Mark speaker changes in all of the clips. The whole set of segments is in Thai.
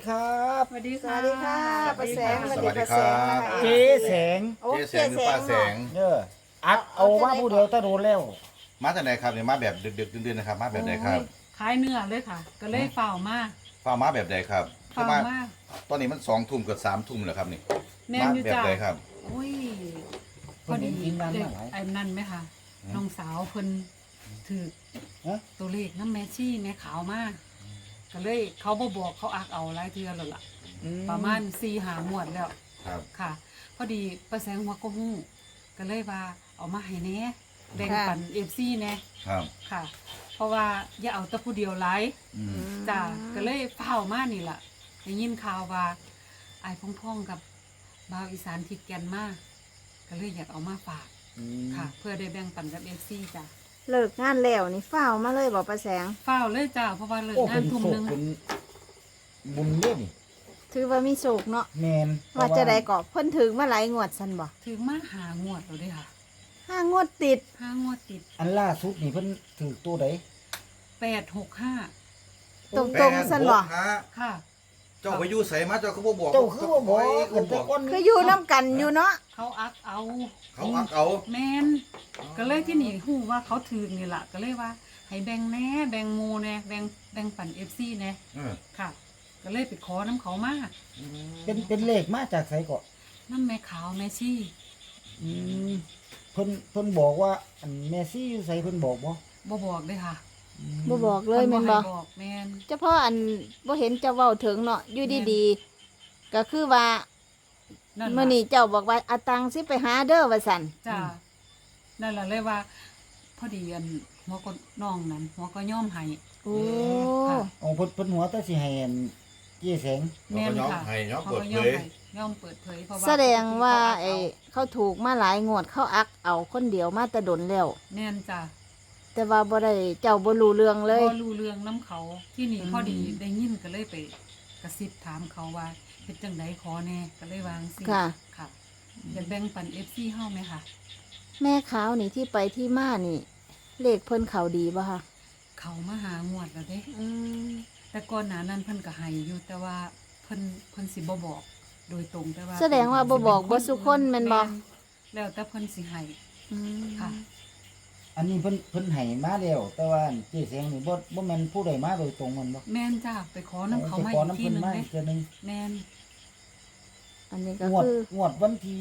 Speaker 1: ครับ
Speaker 2: สวัสดี
Speaker 3: ส
Speaker 2: ค่ะ
Speaker 3: วัสดีค่ะป้าแสง
Speaker 4: สวัสดีครับ
Speaker 1: เจ๊แสง
Speaker 3: โอ้
Speaker 4: เจ๊แสงหรือป้าแสง
Speaker 1: เด้ออักเอาว่าผู้เดียวตะโดนแล้ว
Speaker 4: มาจากไหนครับเนี่ยมาแบบดึกๆดื่นๆนะครับ มาแบบไหนครับ
Speaker 2: โอ้ยขายเนื้อเลยค่ะ ก็เลยเฝ้ามา
Speaker 4: ฟ้ามาแบบไหนครับ
Speaker 2: เฝ้า
Speaker 4: มา
Speaker 2: มา
Speaker 4: ตอนนี้มัน2 ทุ่มกับ3 ทุ่มแล้วครับนี่
Speaker 2: แม่
Speaker 4: มาน
Speaker 2: อยู่
Speaker 4: แบบ
Speaker 2: จ้า
Speaker 4: ไหนครับ
Speaker 2: โอ้ยพ
Speaker 1: เพิ่
Speaker 2: อน
Speaker 1: เห็
Speaker 2: ดี
Speaker 1: นทีมงาน
Speaker 2: เด็
Speaker 1: มาก หลาย
Speaker 2: ไอ้นั่นไหมคะน้องสาวเพิ่นถือ
Speaker 1: ฮะ
Speaker 2: ตัวเลขน้ำแม่ชี่แม่ขาวมากก็เลยเขาบ่บอกเขาอักเอาหลายเทื่อแล้วล่ะ ประมาณ4-5 งวดแล้ว
Speaker 4: ครับ
Speaker 2: ค่ะ พอดีป้าแสงหัวก็ฮู้ก็เลยว่าเอามาให้แหน่แบ่งปัน FC แหน่
Speaker 4: ครับ
Speaker 2: ค่ะ เพราะว่าอย่าเอาแต่ผู้เดียวหลาย
Speaker 4: อืม
Speaker 2: จ้าก็เลยเฝ้ามานี่ล่ะได้ยินข่าวว่าไอ้ายพ่องๆกับบ่าวอีสานทิดแกนมาก็เลยอยากเอามาฝากค่ะ เพื่อได้แบ่งปันกับFC จ้า
Speaker 3: เลิกงานแล้วนี่ฝ้าวมาเลยบอกป้าแสง
Speaker 2: เฝ้าเลยจ้าเพราะว่าเลิก
Speaker 1: โอ้
Speaker 2: งา
Speaker 1: เป็น น
Speaker 2: ทุ่ม
Speaker 1: โศ
Speaker 2: ห
Speaker 1: ก
Speaker 2: นึง
Speaker 1: เป็นบุญเล่น
Speaker 3: ถือว่ามีโศกเนาะ
Speaker 1: แมน
Speaker 3: ว่าจะได้ก็เพิ่นถึงมาหลายงวดซันบ่
Speaker 2: ถึงมาหางวดแล้วเด้ค่ะ
Speaker 3: 5 งวดติด
Speaker 2: 5 งวดติด
Speaker 1: อันล่าสุดนี่เพิ่นถือตัวใด
Speaker 2: 865
Speaker 3: ตรงๆซันบ่
Speaker 4: ฮะ
Speaker 2: ค่ะ
Speaker 4: เจ้าไปอยู่ใส่มาเจ้าเขาบ่บอก
Speaker 1: เจ้าคือว่าบอก
Speaker 4: เขา
Speaker 1: กัน
Speaker 4: บ
Speaker 1: แต่
Speaker 4: อก
Speaker 1: ก้อน
Speaker 3: คืออยู่น้ำกันอยู่เนาะ
Speaker 2: เขาอักเอา
Speaker 4: เขาอักเอา
Speaker 2: แมนก็เลยที่นี่ฮู้ว่าเขาถือนี่ล่ะก็เลยว่า ให้แบ่งแหน่แบ่งหมู่แหน่แบ่งปัน FC แหน่
Speaker 4: เออ
Speaker 2: ค่ะ ก็เลยไปขอน้ำเขามา
Speaker 1: เป็นเลขมาจากไสก็
Speaker 2: น้ำแม่ขาวแม่ชี่
Speaker 1: อืมเพิ่นบอกว่าอันแมซี่อยู่ไสเพิ่นบอกบ่
Speaker 2: บ่บอกเลยค่ะ
Speaker 3: บ่บอกเลยแม่นบ่
Speaker 2: พิ่ให้บอกแม่น
Speaker 3: เฉพาะอันบ่เห็นเจ้าเว้าถึงเนาะอยู่ดีๆ ก็คือว่า
Speaker 2: นั่น
Speaker 3: มื้อ
Speaker 2: ล่ะ
Speaker 3: นี้เจ้าบอกว่าเอาตังค์สิไปหาเด้อว่าซั่น
Speaker 2: จ้านั่นล่ะเลยว่า พอดีอันหัวก็น้องนั้นหัวก็ย่อมให้
Speaker 3: โอ้
Speaker 2: ค่ะ
Speaker 1: อ๋อเพิ่นหัวแต่สิให้อันเจ๊แสง
Speaker 2: แม่น
Speaker 4: เขาก็
Speaker 2: ค่ะ
Speaker 4: ให้ย้อม
Speaker 2: เขา
Speaker 4: เปิด
Speaker 2: ก็
Speaker 4: เผ
Speaker 2: ย่อม
Speaker 4: ย
Speaker 2: ให้ย่อมเปิดเผยเพราะว่า
Speaker 3: แสดงว่า
Speaker 2: ปกติ
Speaker 3: ไอ้เขาถูกมาหลายงวดเขาอักเอาคนเดียวมาแต่ดนแล้ว
Speaker 2: แม่นจ้า
Speaker 3: แต่ว่าบ่ได้เจ้าบ่รู้เรื่องเลย
Speaker 2: พอรู้เรื่องน้ำเขาที่นี่พอดีได้ยินก็เลยไปกระซิบถามเขาว่าเฮ็ดจังไดขอแน่ก็เลยวางสิ
Speaker 3: ค่ะ
Speaker 2: ค่ะอยากแบ่งปัน FC เฮาไหมคะ
Speaker 3: แม่ขาวนี่ที่ไปที่มานี่ เลขเพิ่นเขาดีป่ะคะ
Speaker 2: เขามาหางวดแล้วเด้
Speaker 3: อืม
Speaker 2: แต่ก่อนหน้านั้นเพิ่นก็ให้อยู่แต่ว่าเพิ่นสิบ่บอกโดยตรงแต่ว่า
Speaker 3: แสดงว่าบ่บอกบ่สุคนแม่นบ่
Speaker 2: แล้วแต่เพิ่นสิให้
Speaker 3: อืม
Speaker 2: ค่ะ
Speaker 1: อันนี้เพิ่นให้มาแล้วแต่ว่าเจ๊แสงนี่บ่แม่นผู้ใดมาโดยตรงมันบ่
Speaker 2: แม่นจ้าไปขอน้ำเขา
Speaker 1: ไป
Speaker 2: มา
Speaker 1: ขอ
Speaker 2: อีก
Speaker 1: น้ำ
Speaker 2: ที
Speaker 1: เพิ่น
Speaker 2: หนึง
Speaker 1: มา
Speaker 2: เด้
Speaker 1: อีกเทื่อนึง
Speaker 2: แม่น
Speaker 3: อันนี้ก็
Speaker 1: งวด
Speaker 3: คือ
Speaker 1: วันที่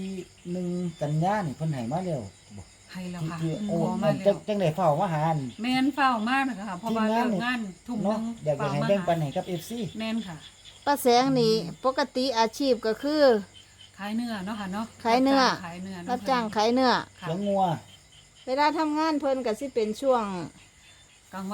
Speaker 1: 1 กันยายนนี่เพิ่นให้มาแล้วบ่
Speaker 2: ให้แล้วค่ะ
Speaker 1: ที่
Speaker 2: ข
Speaker 1: โอ้
Speaker 2: อมาแล้
Speaker 1: จัง
Speaker 2: ว
Speaker 1: จังได้เฝ้ามาหาอัน
Speaker 2: แม่นเฝ้ามากนะคะเพราะว่า
Speaker 1: ทีมงาน
Speaker 2: เลิกงานทุ่มหนึ
Speaker 1: เนาะ
Speaker 2: ง
Speaker 1: อยากจะ
Speaker 2: เฝ้า
Speaker 1: ให้
Speaker 2: มา
Speaker 1: แบ่งปัน
Speaker 2: หา
Speaker 1: ให้กับ FC
Speaker 2: แม่นค่ะ
Speaker 3: ป้าแสงนี่ปกติอาชีพก็คือ
Speaker 2: ขายเนื้อเนาะค่ะเนาะ
Speaker 3: ขายเนื้อ
Speaker 2: ขายเนื้อ
Speaker 3: รับจ้างขายเนื้อ
Speaker 2: ค่ะ
Speaker 1: เลี้ยงงัว
Speaker 3: เวลาทำงานเพิ่นก็สิเป็นช่วง
Speaker 2: กลางวัน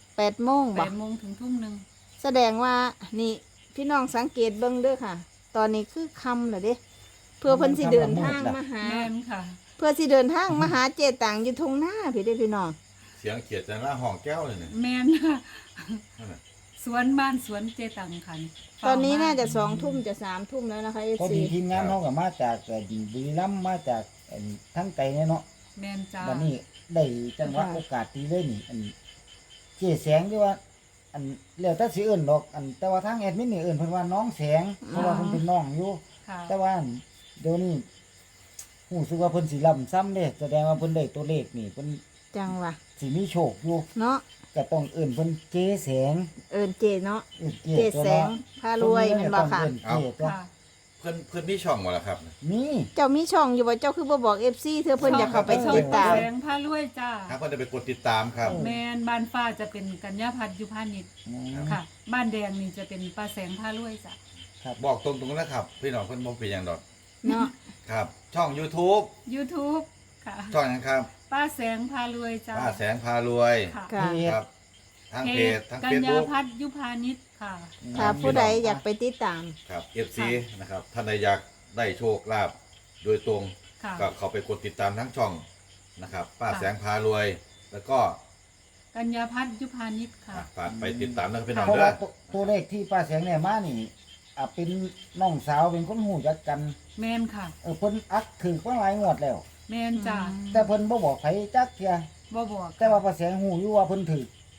Speaker 3: 8โมงบ่
Speaker 2: 8 โมงถึงทุ่มหนึง
Speaker 3: แสดงว่านี่พี่น้องสังเกตเบิ่งเด้อค่ะ ตอนนี้คือค่ำแล้วเด้เพื่อเพิ่นสิเดินทางมาหา
Speaker 2: แม่นค่ะ
Speaker 3: เพื่อสิเดินทางมาหาเจตังอยู่ทุ่งนาพี่เด้อพี่น้อง
Speaker 4: เสียงเขียดจันละห้องแก้วเลยเนี่ย
Speaker 2: แม่นค่ะ
Speaker 4: นั่นน่ะ
Speaker 2: สวนบ้านสวนเจตังค่ะ
Speaker 3: ตอนนี้น่าจะ2 ทุ่มจะ3 ทุ่มแล้วนะคะ
Speaker 1: พอ
Speaker 3: FC
Speaker 1: ดีทีมงานเขาก็มาจากบุรีรัมย์มาจากทั้งไกลเนี่ยเนาะ
Speaker 2: แม่นจ้า
Speaker 1: วันนี้ได้จังหวะ
Speaker 3: ค่ะ
Speaker 1: โอกาสดีเลยนี่อันเจ๊แสงที่ว่า อันแล้วแต่สิเอิ้นดอกอันแต่ว่าทางแอดมินนี่เอิ้นเพิ่นว่าน้องแสงเพราะว่าเพิ่นเป็นน้องอยู่
Speaker 2: ค่ะ
Speaker 1: แต่ว่าเดี๋ยวนี้รู้สึกว่าเพิ่นสิล้ำซ้ำเด้แสดงว่าเพิ่นได้ตัวเลขนี่เพิ่น
Speaker 3: จังวะ
Speaker 1: สิมีโชคอยู่
Speaker 3: เนาะ
Speaker 1: ก็ต้องเอิ้นเพิ่นเจ๊แสง
Speaker 3: เอิ้นเจเนาะ
Speaker 1: เอิ้น
Speaker 3: เจแสงพารวยแม่นบ่ค่ะ
Speaker 1: เจ๊ตัว
Speaker 2: ค่ะ
Speaker 4: เพื่อนมีช่องบ่ล่ะครับ
Speaker 1: มี
Speaker 3: เจ้ามีช่องอยู่บ่เจ้าคือบ่บอก FC เธอเพิ่นอยากเข้าไป
Speaker 2: ช่อง
Speaker 3: ติดตาม
Speaker 2: แสงพารวยจ้า
Speaker 4: ถ้าเพื่อนจะไปกดติดตามครับ
Speaker 2: แม่นบ้านฟ้าจะเป็นกัญญาพัฒน์ยุพานิช
Speaker 1: อืม
Speaker 2: ค่ะ บ้านแดงนี่จะเป็นปลาแสงพารวยจ้ะ
Speaker 4: บอกตรงๆนะครับ พี่น้องเพื่อนบ่เป็นอย่างดอก
Speaker 3: เนาะ
Speaker 4: ครับ ช่อง YouTube
Speaker 2: YouTube ค่ะ
Speaker 4: ช่องหยังครับ
Speaker 2: ป้าแสงพารวยจ้า
Speaker 4: ป้าแสงพารวย
Speaker 2: ค่ะ
Speaker 3: ค่ะ
Speaker 4: ครับทางเพจทาง
Speaker 2: กัญ
Speaker 4: เฟซ
Speaker 2: ญา
Speaker 4: บุ๊ก
Speaker 2: พัฒน์ยุพานิชค่ะ
Speaker 3: ถ้าผู้ใดอยากไปติดตาม
Speaker 4: ครับ FC นะครับท่านใดอยากได้โชคลาภโดยตรง
Speaker 2: ค่ะ
Speaker 4: ก็เข้าไปกดติดตามทั้งช่องนะครับ ป้าแสงพารวย แล้วก็
Speaker 2: กัญญาพัฒน์ยุพานิชค่ะ
Speaker 4: ฝากไปติดตามนะครับพี่น้อง
Speaker 1: เพราะ
Speaker 4: เด้
Speaker 1: ว่า
Speaker 4: อ
Speaker 1: ตัวเลขที่ป้าแสงเนี่ยมานี่เป็นน้องสาวเป็นคนหูจักกัน
Speaker 2: แมนค่ะ
Speaker 1: เพิ่นอักถือมาหลายงวดแล้ว
Speaker 2: แมนจ้า
Speaker 1: แต่เพิ่นบ่บอกไผจักเที่ย
Speaker 2: บ่บอก
Speaker 1: แต่ว่าป้าแสงหูอยู่ว่าเพิ่นถือ
Speaker 2: ห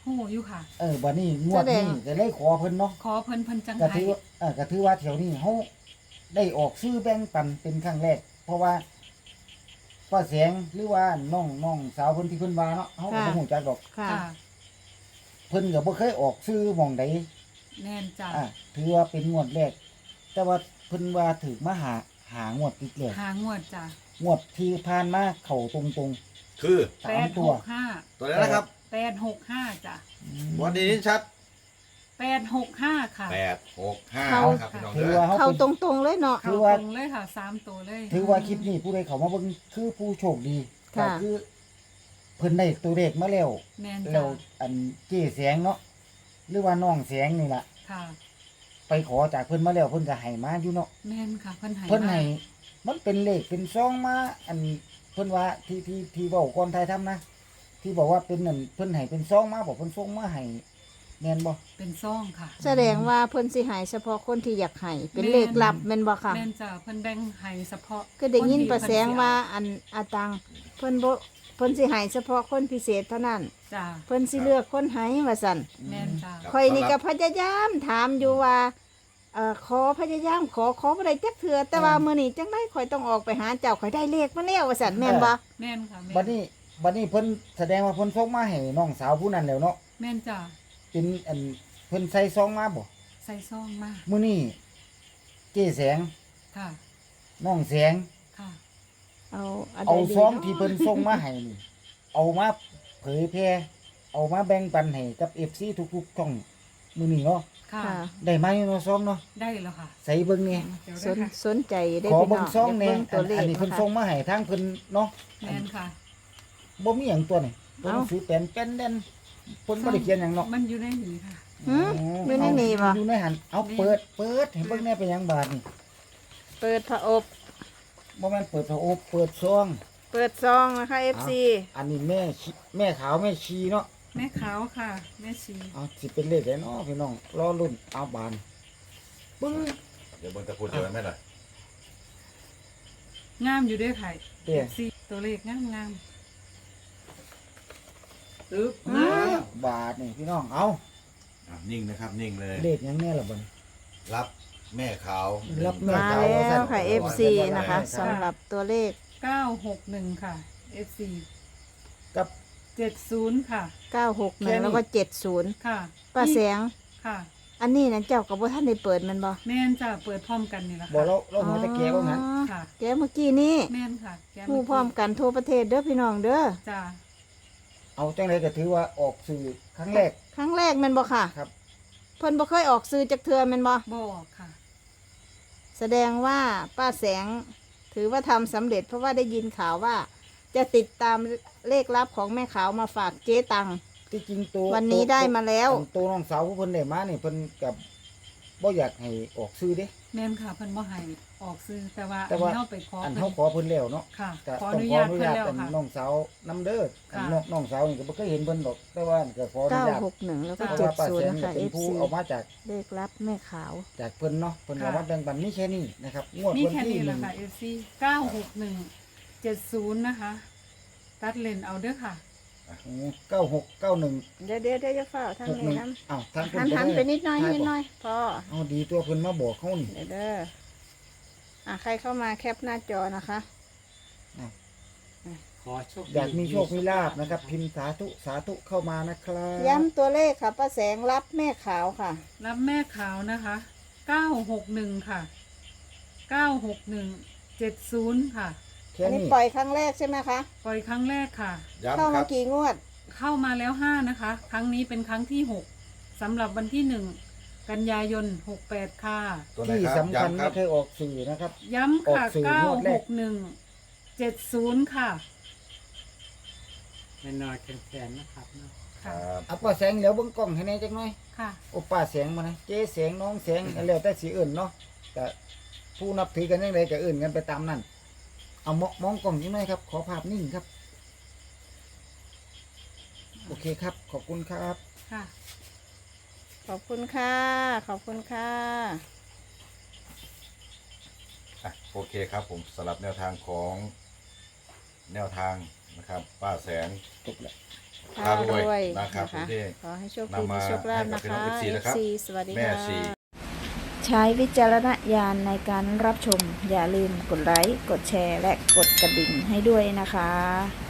Speaker 2: ฮู้อยู่ค่ะ
Speaker 1: บัดนี้งวดนี้ก็เลยขอเพิ่นเนาะ
Speaker 2: ขอเพิ่นจัง
Speaker 1: ก็
Speaker 2: ไห้
Speaker 1: ถือก็ถือว่าแถวนี้เฮาได้ออกซื้อแบ่งปันเป็นครั้งแรก เพราะว่าป้าแสงหรือว่าน้องสาวเพิ่นที่เพิ่นว่าเนาะเฮาก็บ่ฮู้จักดอก
Speaker 3: ค่ะ
Speaker 2: ค่ะ
Speaker 1: เพิ่นก็บ่เคยออกซื้อหม่องใด
Speaker 2: แน่นจ้ะ
Speaker 1: ถือว่าเป็นงวดแรก แต่ว่าเพิ่นว่าถูกมาหางวดติดแล้ว
Speaker 2: หางวดจ้ะ
Speaker 1: งวดที่ผ่านมาเข้าตรง
Speaker 4: คือ
Speaker 1: ๆ3ตัว
Speaker 2: 865
Speaker 4: ตัวนี้นะครับ
Speaker 2: 865จ้ะ
Speaker 4: วันนี้ชัด
Speaker 2: 865ค่ะ
Speaker 4: 865
Speaker 3: เข้า
Speaker 4: ครับพี่น้อง
Speaker 1: ถื
Speaker 4: เด้
Speaker 1: อ
Speaker 4: อ
Speaker 1: ว่าเฮา
Speaker 3: เข้า
Speaker 1: เป็น
Speaker 3: ตรงๆเลยเนาะ
Speaker 1: ถื
Speaker 2: เข้า
Speaker 1: อว่า
Speaker 2: ตรงเลยค่ะ3ตัวเลย
Speaker 1: ถือว่าคลิปนี้ผู้ใดเข้ามาเบิ่งคือผู้โชคดีก็
Speaker 3: ค่ะ
Speaker 1: คือเพิ่นได้ตัวเลขมาแล้ว
Speaker 2: แม่น
Speaker 1: แล้
Speaker 2: จ้ะ
Speaker 1: วอันเจ๊แสงเนาะหรือว่าน้องแสงนี่ล่ะ
Speaker 2: ค่ะ
Speaker 1: ไปขอจากเพิ่นมาแล้วเพิ่นก็ให้มาอยู่เนาะ
Speaker 2: แม่นค่ะเพิ่นให้
Speaker 1: เพิ่นให้
Speaker 2: มา
Speaker 1: มันเป็นเลขเป็นซองมาอันเพิ่นว่าที่เว้าก่อนไทยทำนะ ที่บอกว่าเป็นนั่นเพิ่นให้เป็นซองมาบอกเพิ่นส่งมาให้แม่นบ่
Speaker 2: เป็นซ่องค่ะ
Speaker 3: แสดงว่าเพิ่นสิใหายเฉพาะคนที่อยากให้เป็นเลขลับแม่นบ่ค่ะ
Speaker 2: แม่นจ้ะเพิ่นแบ่งให้เฉพาะ
Speaker 3: ก็ได้ยิน
Speaker 2: คที่
Speaker 3: ประแสง
Speaker 2: เพิ่นสิ
Speaker 3: ว่าอันอาตังเพิ่นบ่เพิ่นสิใหายเฉพาะคนพิเศษเท่านั้น
Speaker 2: จ้ะ
Speaker 3: เพิ่นสิเลือกคนให้ว่าซั่น
Speaker 2: แม่นจ้ะ
Speaker 4: ครับ
Speaker 3: ข่อยนี่ก็พยายามถามอยู่ว่าขอพยายามขอบ่ได้จักเทื่อแต่ว่ามื้อนี้จังได๋ข่อยต้องออกไปหาเจ้าข่อยได้เลขมาแล้วว่าซั่นแม่นบ่
Speaker 2: แม่นค่ะแม่น
Speaker 1: บัดนี้เพิ่นแสดงว่าเพิ่นส่งมาให้น้องสาวผู้นั้นแล้วเนาะ
Speaker 2: แม่นจ้ะ
Speaker 1: เป็นอันเพิ่นใส่ซองมาบ่
Speaker 2: ใส่ซ่องมา
Speaker 1: มื้อนี้เจ๊แสง
Speaker 2: ค่ะ
Speaker 1: น้องแสง
Speaker 2: ค่ะ
Speaker 3: เอานใด
Speaker 1: เอา
Speaker 3: ดี
Speaker 1: ซอง
Speaker 3: เนาะ
Speaker 1: ที่เพิ่นส่งมาให้นี่เอามาเผยแพร่เอามาแบ่งปันให้กับ FC ทุกๆช่องมื้อนี้เนาะ
Speaker 2: ค่ะ
Speaker 3: ค่ะ
Speaker 1: ได้มาอยู่เนาะซองเนาะ
Speaker 2: ได้แล้วค่ะ
Speaker 1: ใส่เบิ่งนี่
Speaker 2: เดี๋ยว
Speaker 3: ส
Speaker 2: ได้
Speaker 3: น
Speaker 2: ค่ะ
Speaker 3: สนใจได้
Speaker 1: ขอ
Speaker 3: พี่
Speaker 1: เบิ่
Speaker 3: น้
Speaker 1: ง
Speaker 3: อง
Speaker 1: ซองแหน่
Speaker 3: เบิ่งตัวเลข
Speaker 1: อันนี้เพิ่น
Speaker 3: นะคะ
Speaker 1: ส่งมาให้ทางเพิ่นเนาะ
Speaker 2: แม่นค่ะ
Speaker 1: บ่มีหยังตัวนี่ตัวหนังสือเป็นเด่นเพิ่นบ่ได้เขียนหยังเนาะ
Speaker 2: มันอยู่ในนี้ค่ะ
Speaker 3: หืมอยู่ในนี่บ่
Speaker 1: อยู่ในหันเอาเปิดให้เบิ่งแน่เป็นหยังบาดนี่
Speaker 3: เปิดผอบ
Speaker 1: บ่แม่นเปิดพระโอษฐ์เปิดซอง
Speaker 3: เปิดซองนะคะ FC
Speaker 1: อันนี้แม่ขาวแม่ชีเนาะ
Speaker 2: แม่ขาวค่ะ แม่ชี
Speaker 1: เอาสิเป็นเลขได้เนาะพี่น้องรอลุ้นเอาบานปึ้ง
Speaker 4: เดี๋ยวเบิ่งตะพูดเจอกันไหมล่ะ
Speaker 2: งามอยู่ด้วยค่ะ
Speaker 1: เตี้ย
Speaker 2: สีตัวเลขงามตึ๊บ
Speaker 1: บาทนี่พี่น้องเอา
Speaker 4: นิ่งนะครับนิ่งเลย
Speaker 1: เลขหยังแน่ล่ะบัดนี้
Speaker 4: รับแม่ขาว
Speaker 1: รับแม่
Speaker 3: มา
Speaker 1: ขาว
Speaker 3: แล้วค่ะ
Speaker 1: ว่า
Speaker 3: FC นะคะสำหรับตัวเลข
Speaker 2: 961ค่ะ FC
Speaker 1: กับ
Speaker 2: 70ค่ะ
Speaker 3: 961 แล้วก็ 70
Speaker 2: ค่ะ
Speaker 3: ป้าแสง
Speaker 2: ค่ะ
Speaker 3: อันนี้นะเจ้ากับว่าท่านได้เปิดมันบ่
Speaker 2: แม่นจะเปิดพร้อมกันนี่แหละ
Speaker 1: บ่
Speaker 2: ค่ะ
Speaker 1: เราหัวตะเกียบว่างั้น
Speaker 2: ค่ะ
Speaker 3: แกเมื่อกี้นี้
Speaker 2: แม่นค่ะแก
Speaker 3: ผู้พร้อมกันทั่วประเทศเด้อพี่น้องเด้อ
Speaker 2: จ้า
Speaker 1: เอาจังไดก็ถือว่าออกสื่อครั้งแรก
Speaker 3: ครั้งแรกแม่นบ่ค่ะ
Speaker 1: ครับ
Speaker 3: เพิ่นบ่เคยออกสื่อจักเทื่อแม่นบ่
Speaker 2: บอกค่ะ
Speaker 3: แสดงว่าป้าแสง ถือว่าทำสำเร็จเพราะว่าได้ยินข่าวว่า จะติดตามเลขลับของแม่ขาวมาฝากเจ๊ตัง
Speaker 1: ที่จริงตัว
Speaker 3: วันนี้ได้มาแล้ว
Speaker 1: ตัวน้องสาวผู้เพิ่นได้มานี่เพิ่นกับบ่อยากให้ออกซื้อเด้
Speaker 2: แม่นค่ะเพิ่นบ่ให้ออกซื้อแต่ว่า
Speaker 1: แต่ว่า
Speaker 2: อันเฮาไปขอ
Speaker 1: อัน
Speaker 2: เพิ่
Speaker 1: เฮาน ขอเพิ่นแล้วเนาะ
Speaker 2: ค่ะ
Speaker 1: ก็
Speaker 2: ขอ
Speaker 1: ต้
Speaker 2: อ
Speaker 1: อง
Speaker 2: นุ
Speaker 1: ขอ
Speaker 2: ญา
Speaker 1: อ
Speaker 2: ต
Speaker 1: นุ
Speaker 2: เพิ่น
Speaker 1: ญาต
Speaker 2: แล้ว
Speaker 1: เป็น
Speaker 2: ค่ะ
Speaker 1: น้องสาวนํเด้อ
Speaker 2: ค่ะ
Speaker 1: น้องสาวนี่ก็บ่เคยเห็นเพิ่นดอก แต่ว่าก็ขออนุญาต
Speaker 3: 961 แล้วก็
Speaker 1: เพราะว่าป้าแสง
Speaker 3: 70นะ
Speaker 1: ก็
Speaker 3: คะ
Speaker 1: เป็นผู้
Speaker 3: FC
Speaker 1: เอามาจาก
Speaker 3: เลขลับแม่ขาว
Speaker 1: จากเพิ่นเนาะเพิ่น
Speaker 2: ค่ะ
Speaker 1: เอามาแบ่งปันมีแค่นี้นะครับงวด
Speaker 2: มี
Speaker 1: วัน
Speaker 2: แค่
Speaker 1: ที่
Speaker 2: นี้แห
Speaker 1: ห
Speaker 2: ละ
Speaker 1: นึ่ง
Speaker 2: ค่ะ FC 96170นะคะ ตัดเลนเอาเด้อค่ะ
Speaker 1: 9691
Speaker 3: เดี๋ยวจะเฝ้าทางนี้นะ
Speaker 1: อ้าวทาง
Speaker 3: หันไปนิดหน่อยนิดหน่อยพอ
Speaker 1: เอาดีตัวเพิ่นมาบอกเฮานี่
Speaker 3: เดี๋ยวเด้อใครเข้ามาแคปหน้าจอนะคะ
Speaker 5: ขอโชคดี
Speaker 1: อยากมีโชคมีลาภนะครับ พิมพ์สาธุเข้ามานะครับ
Speaker 3: ย้ำตัวเลขค่ะป้าแสงรับแม่ขาวค่ะ
Speaker 2: รับแม่ขาวนะคะ961ค่ะ96170ค่ะ
Speaker 1: แค่
Speaker 3: อันนี้
Speaker 1: นี้
Speaker 3: ปล่อยครั้งแรกใช่ไหมคะ
Speaker 2: ปล่อยครั้งแรกค่ะ
Speaker 3: เข้า
Speaker 4: ย้ำค
Speaker 3: มา
Speaker 4: รับ
Speaker 3: กี่งวด
Speaker 2: เข้ามาแล้ว5นะคะ ครั้งนี้เป็นครั้งที่6สำหรับวันที่1กันยายน68ค่ะ
Speaker 4: ตัวไหน
Speaker 1: ที่
Speaker 4: ครับ
Speaker 1: สำคัญ
Speaker 4: ย้ำค
Speaker 1: ไม่
Speaker 4: รับ
Speaker 1: เคยออกสื่อนะครับ
Speaker 2: ย้ำค่ะ
Speaker 1: ออกสื่องวดแรก
Speaker 2: 96170ค่ะ
Speaker 5: แน่นอนแข็งๆนะครับเนาะ
Speaker 4: ครั
Speaker 2: ค่ะ
Speaker 4: บ
Speaker 1: เอาป้าแสงเดี๋ยวเบิ่งกล้องให้แน่จักหน่อย
Speaker 2: ค่ะ
Speaker 1: โอ้ป้าแสงมานะเจ๊แสงน้องแสงแล้วแต่สิเอิ้นเนาะแต่ผู้นับถือกันจังไดก็เอิ้นกันไปตามนั้นเอามองกล้องจังหน่อยครับ ขอภาพนิ่งครับ โอเคครับ ขอบคุณครับ
Speaker 2: ค่ะ
Speaker 3: ขอบคุณค่ะ ขอบคุณค่ะ
Speaker 4: โอเคครับผมสำหรับแนวทางของแนวทางนะครับ ป้าแสง
Speaker 1: จบแล้ว
Speaker 3: พารวย
Speaker 4: นะครับ
Speaker 3: นะคะ
Speaker 4: ที่
Speaker 3: ขอให้โชคดี
Speaker 4: นำมา
Speaker 3: มีโชคลาภ
Speaker 4: ให้
Speaker 3: นะ
Speaker 4: กับพี่น้อง
Speaker 3: คะ
Speaker 4: FC นะครับ
Speaker 3: FC สวัสดี
Speaker 4: แม่
Speaker 3: ค่ะ
Speaker 4: ชี
Speaker 3: ใช้วิจารณญาณในการรับชม อย่าลืมกดไลค์ กดแชร์ และกดกระดิ่งให้ด้วยนะคะ